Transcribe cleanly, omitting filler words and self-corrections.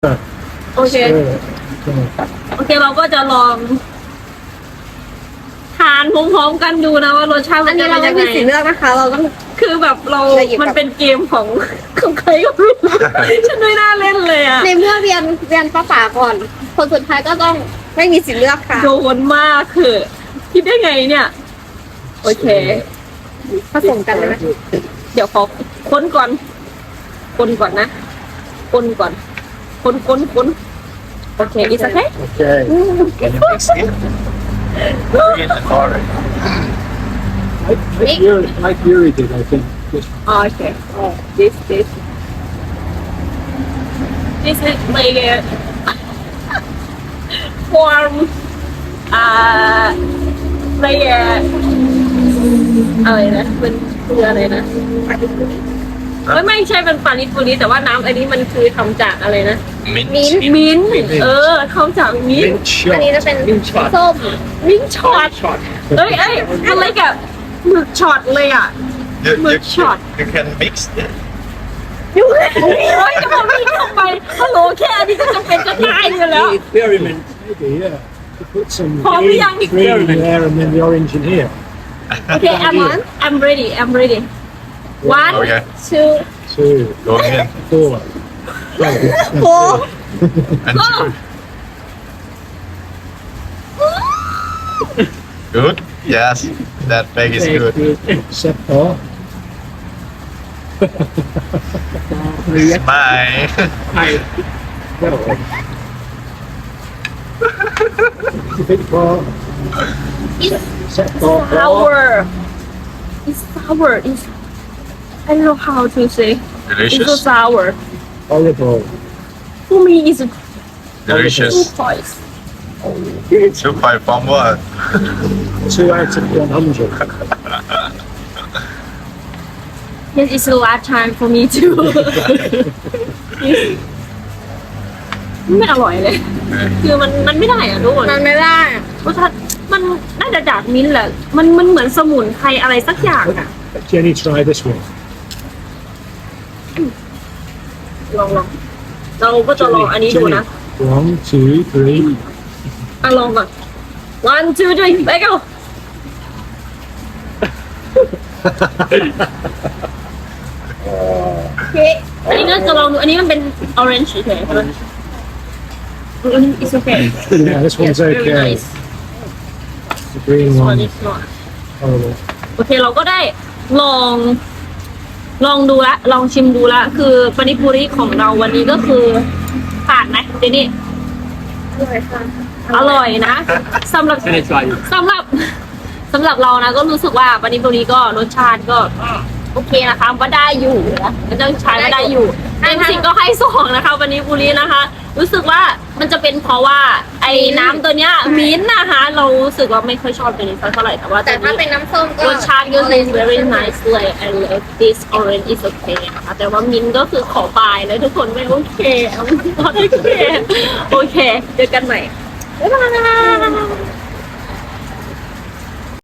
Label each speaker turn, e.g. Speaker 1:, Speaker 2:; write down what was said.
Speaker 1: โอเค โอเคเราก็จะลองทานพร้อมๆกันดูนะว่ารสชาติ
Speaker 2: อันนี้เราไม่มีสิทธิ์เลือกนะคะ เราต้อง
Speaker 1: คือแบบเรา
Speaker 2: จะหยิบ
Speaker 1: มันเป็นเกมของใครก็ไม่รู้ฉันไม่น่าเล่นเลยอะ
Speaker 2: ในเมื่อเรียนภาษาก่อน คนสุดท้ายก็ต้องไม่มีสิทธิ์เลือกค่ะ
Speaker 1: โดนมากคือคิดได้ไงเนี่ย โอเค
Speaker 2: ผสมกันเลยไหม
Speaker 1: เดี๋ยวขอค้นก่อนนะค้นก่อนค้นโอเคอีสักแค่
Speaker 3: Okay. Can you mix it? Bring it forward.
Speaker 4: Like Yuri did, I think. This
Speaker 1: โอเค this is like a form like a อะไรนะมันคืออะไรนะไม่ใช่เป็นปานิปุริแต่ว่าน้ำอันนี้มันคือทำจากอะไรนะ
Speaker 3: Mint.
Speaker 1: มิ้นท์ทำจากมิ้นท์
Speaker 2: อันนี้จะเป็น
Speaker 4: Mint shot.
Speaker 2: ส้ม
Speaker 1: มิ้นท์ช็อต
Speaker 4: Shot.
Speaker 1: เอ้ยอะไรกับหมึกช็อตเลยอ่ะ
Speaker 3: You,
Speaker 1: Milk shot.
Speaker 3: you can mix it.
Speaker 1: ยูโอ้ยจะมาวิ่งเข้าไปฮัลโหลแค่อันนี้ก็จะเป็นจะตายอยู่แล้ว
Speaker 4: Experiment. Maybe, yeah. To put some
Speaker 1: Oh,
Speaker 4: green,
Speaker 1: yeah.
Speaker 4: green in there and then the orange in here.
Speaker 1: Okay, I'm ready. One,
Speaker 3: Okay.
Speaker 1: two,
Speaker 4: 2,
Speaker 3: Going in.
Speaker 4: 4.
Speaker 1: four.
Speaker 3: And
Speaker 1: Go.
Speaker 3: two. Good? Yes. That bag is good.
Speaker 4: Except for.
Speaker 3: Smile.
Speaker 4: For.
Speaker 1: It's
Speaker 4: Except for.
Speaker 1: sour. It's sour. It's I don't know how to say. It's so
Speaker 3: Delicious.
Speaker 1: sour.
Speaker 4: Horrible.
Speaker 1: For me, it's two
Speaker 3: Delicious.
Speaker 1: points.
Speaker 3: 2.5 from what?
Speaker 4: 2 out of 100.
Speaker 1: Yes, it's the last time for me too. ไม่อร่อยเลย คือมันไม่ได้อะทุกคน
Speaker 2: มันไม่ได้
Speaker 1: รสชาติมันน่าจะจากมิ้นท์แหละ มันเหมือนสมุนไพรอะไรสักอย่างอะ
Speaker 4: Jenny, try this one.
Speaker 1: ลองเราก็จะลองอันนี้ดูนะ
Speaker 4: 1, 2, 3.
Speaker 1: อ่ะลองก่อน one two three ไปกัน
Speaker 2: โอเค
Speaker 1: อันนี้ก็จะลองดูอันนี้มันเป็น orange เฉยๆใช่ไหมอันนี้ it's okay
Speaker 4: Yeah, this
Speaker 1: yes
Speaker 4: one's
Speaker 1: very
Speaker 4: okay.
Speaker 1: nice
Speaker 4: The green
Speaker 1: this one
Speaker 4: one.
Speaker 1: is not
Speaker 4: Horrible.
Speaker 1: โอเคเราก็ได้ลองดูละลองชิมดูละคือปานิปุริของเราวันนี้ก็คือผ่านไหมเจนี่
Speaker 2: อร่อยค่ะ
Speaker 1: อร่อยนะสำหรับ
Speaker 4: And it's like
Speaker 1: สำหรับเรานะก็รู้สึกว่าปานิปุริก็รสชาติก็โอเคนะคะว่าได้อยู่นะมันจะใช้ว่าได้อยู่เต็ม10ก็ให้2นะคะปานิปุรินะคะ รู้สึกว่ามันจะเป็นเพราะว่าไอ้น้ำตัวเนี้ยมิ้นท์นะคะ เรารู้สึกว่าไม่ค่อยชอบตัวนี้สักเท่าไหร่แต่ว่า
Speaker 2: แต่ถ้าเป็นน้ำส้มก็
Speaker 1: รสชาติก็คือ very nice เลย I love this orange is okay นะคะแต่ว่ามิ้นท์ก็คือขอบายเลยทุกคนไม่โอเคโอเคเจอกันใหม่บ๊ายบาย